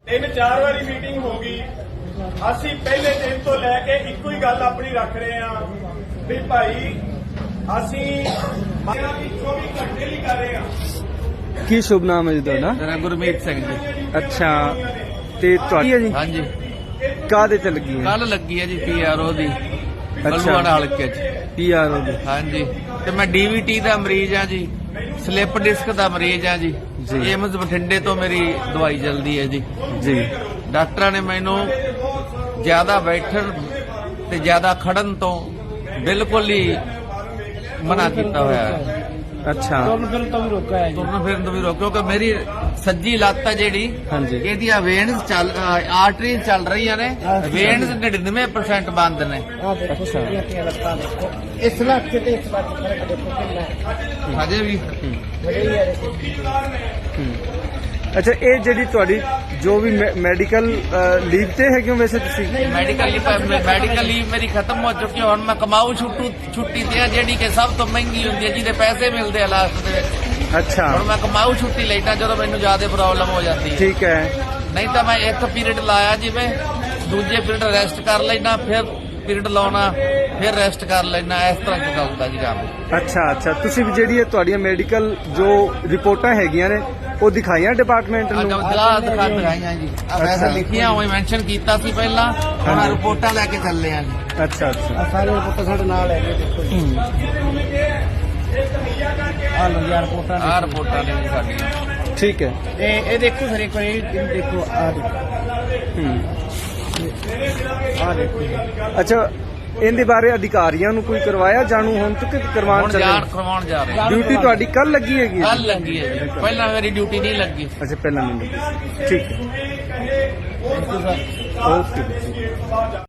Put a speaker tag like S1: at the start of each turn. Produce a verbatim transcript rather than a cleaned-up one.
S1: ਤਿੰਨ ਚਾਰ ਵਾਰੀ ਮੀਟਿੰਗ ਹੋ ਗਈ। ਅਸੀਂ ਪਹਿਲੇ ਦਿਨ ਤੋਂ ਲੈ ਕੇ ਇੱਕੋ ਹੀ ਗੱਲ ਆਪਣੀ ਰੱਖ ਰਹੇ ਹਾਂ ਵੀ ਭਾਈ ਅਸੀਂ ਮਾਇਆ ਦੀ ਚੌਵੀ ਘੰਟੇ ਲਈ ਕਰ ਰਹੇ ਹਾਂ।
S2: ਕੀ ਸ਼ੁਭ ਨਾਮ ਹੈ ਜੀ ਤੁਹਾਡਾ?
S3: ਮੇਰਾ ਗੁਰਮੀਤ ਸਿੰਘ ਜੀ।
S2: ਅੱਛਾ, ਤੇ ਤੁਹਾਡੀ ਹੈ ਜੀ?
S3: ਹਾਂਜੀ,
S2: ਕਾਹਦੇ ਤੇ ਲੱਗੀ ਹੈ?
S3: ਕੱਲ ਲੱਗੀ ਹੈ ਜੀ ਪੀਆਰਓ ਦੀ
S2: ਅੱਛਾ,
S3: ਬਲੂਆਣਾ ਹਲਕੇ ਚ।
S2: ਪੀਆਰਓ ਦੀ।
S3: ਹਾਂਜੀ, ਤੇ ਮੈਂ ਡੀਵੀਟੀ ਦਾ ਮਰੀਜ਼ ਆ ਜੀ, ਸਲਿੱਪ ਡਿਸਕ ਦਾ ਮਰੀਜ਼ ਆ ਜੀ।
S2: ਜੀ।
S3: ਏਮਜ਼ ਬਠਿੰਡੇ ਤੋਂ ਮੇਰੀ ਦਵਾਈ ਚੱਲਦੀ ਹੈ ਜੀ।
S2: ਜੀ।
S3: ਡਾਕਟਰਾਂ ਨੇ ਮੈਨੂੰ ਜ਼ਿਆਦਾ ਬੈਠਣ ਤੇ ਜ਼ਿਆਦਾ ਖੜਨ ਤੋਂ ਬਿਲਕੁਲ ਹੀ ਮਨਾ ਕੀਤਾ ਹੋਇਆ ਹੈ।
S2: ਅੱਛਾ,
S3: ਤੁਰਨ ਫਿਰਨ ਤੋਂ ਵੀ ਰੋਕਿਆ ਹੈ, ਤੁਰਨ ਫਿਰਨ ਤੋਂ ਵੀ ਰੋਕਿਆ ਕਿਉਂਕਿ ਮੇਰੀ ਸੱਜੀ ਲੱਤ ਹੈ ਜਿਹੜੀ,
S2: ਹਾਂਜੀ,
S3: ਇਹਦੀਆਂ ਵੇਨਸ ਚੱਲ ਆਰਟਰੀਜ਼ ਚੱਲ ਰਹੀਆਂ ਨੇ, ਵੇਨਸ ਨੜਿਨਵੇਂ ਪਰਸੈਂਟ ਬੰਦ ਨੇ।
S2: ਅੱਛਾ,
S4: ਇਸ ਲੱਖ ਤੇ ਇਸ ਲੱਖ ਫਰਕ ਦੇਖੋ ਕਿੰਨਾ ਹੈ।
S3: ਹਜੇ ਵੀ
S4: ਬੜੀ ਹੈ ਦੇਖੋ।
S2: ਅੱਛਾ, ਇਹ ਜਿਹੜੀ ਤੁਹਾਡੀ ਜੋ ਵੀ ਮੈਡੀਕਲ ਲੀਵ ਤੇ ਹੈਗੇ ਹੋ ਵੈਸੇ ਤੁਸੀਂ?
S3: ਮੈਡੀਕਲ ਲੀਵ ਮੈਡੀਕਲ ਲੀਵ ਮੇਰੀ ਖਤਮ ਹੋ ਚੁੱਕੀ ਹੈ। ਹੁਣ ਮੈਂ ਕਮਾਊ ਛੁੱਟੂ ਛੁੱਟੀ ਤੇ ਆ, ਜਿਹੜੀ ਕਿ ਸਭ ਤੋਂ ਮਹਿੰਗੀ ਹੁੰਦੀ ਹੈ, ਜਿਹਦੇ ਪੈਸੇ ਮਿਲਦੇ ਆ ਲਾਸਟ ਦੇ ਵਿੱਚ।
S2: ਅੱਛਾ,
S3: ਹੁਣ ਮੈਂ ਕਮਾਊ ਛੁੱਟੀ ਲੈਣਾ ਜਦੋਂ ਮੈਨੂੰ ਜ਼ਿਆਦਾ ਪ੍ਰੋਬਲਮ ਹੋ ਜਾਂਦੀ ਹੈ।
S2: ਠੀਕ ਹੈ।
S3: ਨਹੀਂ ਤਾਂ ਮੈਂ ਇੱਕ ਪੀਰੀਅਡ ਲਾਇਆ ਜਿਵੇਂ, ਦੂਜੇ ਪੀਰੀਅਡ ਰੈਸਟ ਕਰ ਲੈਣਾ, ਫਿਰ ਪੀਰੀਅਡ ਲਾਉਣਾ, ਫਿਰ ਰੈਸਟ ਕਰ ਲੈਣਾ, ਇਸ ਤਰ੍ਹਾਂ ਚੱਲਦਾ ਜੀ ਕੰਮ।
S2: ਅੱਛਾ ਅੱਛਾ, ਤੁਸੀਂ ਵੀ ਜਿਹੜੀ ਇਹ ਤੁਹਾਡੀਆਂ ਮੈਡੀਕਲ ਜੋ ਰਿਪੋਰਟਾਂ ਹੈਗੀਆਂ ਨੇ ਉਹ ਦਿਖਾਈਆਂ ਡਿਪਾਰਟਮੈਂਟ ਨੂੰ?
S3: ਦਿਖਾ ਦਿਖਾਈਆਂ ਜੀ, ਵੈਸੇ ਲਿਖੀਆਂ ਹੋਈ ਮੈਂਸ਼ਨ ਕੀਤਾ ਸੀ ਪਹਿਲਾਂ, ਹੁਣ ਆਹ ਰਿਪੋਰਟਾਂ ਲੈ ਕੇ ਚੱਲੇ ਆ ਜੀ।
S2: ਅੱਛਾ ਅੱਛਾ,
S4: ਆ ਸਾਰੇ ਰਿਪੋਰਟ ਸਾਡੇ ਨਾਲ ਹੈਗੇ ਦੇਖੋ ਜੀ। ਆ ਲੋ ਯਾਰ ਰਿਪੋਰਟਾਂ
S3: ਆਹ ਰਿਪੋਰਟਾਂ ਨੇ ਜੀ ਸਾਡੀਆਂ।
S2: ਠੀਕ ਹੈ।
S4: ਇਹ ਇਹ ਦੇਖੋ ਸਰ ਇੱਕ ਵਾਰੀ ਇਹ ਦੇਖੋ ਆ ਦੇਖੋ
S2: ਹੂੰ,
S4: ਆ ਦੇਖੋ
S2: ਅੱਛਾ, ਇਹਦੇ ਬਾਰੇ ਅਧਿਕਾਰੀਆਂ ਨੂੰ ਕੋਈ ਕਰਵਾਇਆ ਜਾਣੂ ਹੁਣ ਤੱਕ ਕਰਵਾਉਣ
S3: ਹੁਣ
S2: ਚੱਲੇ?
S3: ਜਾਣ ਕਰਵਾਉਣ ਜਾ ਰਹੇ।
S2: ਡਿਊਟੀ ਤੁਹਾਡੀ ਕੱਲ ਲੱਗੀ ਹੈਗੀ?
S3: ਕੱਲ ਲੱਗੀ ਹੈ ਜੀ, ਪਹਿਲਾਂ ਮੇਰੀ ਡਿਊਟੀ ਨਹੀਂ ਲੱਗੀ।
S2: ਅੱਛਾ, ਪਹਿਲਾਂ ਨਹੀਂ ਲੱਗੀ। ਠੀਕ ਹੈ, ਓਕੇ।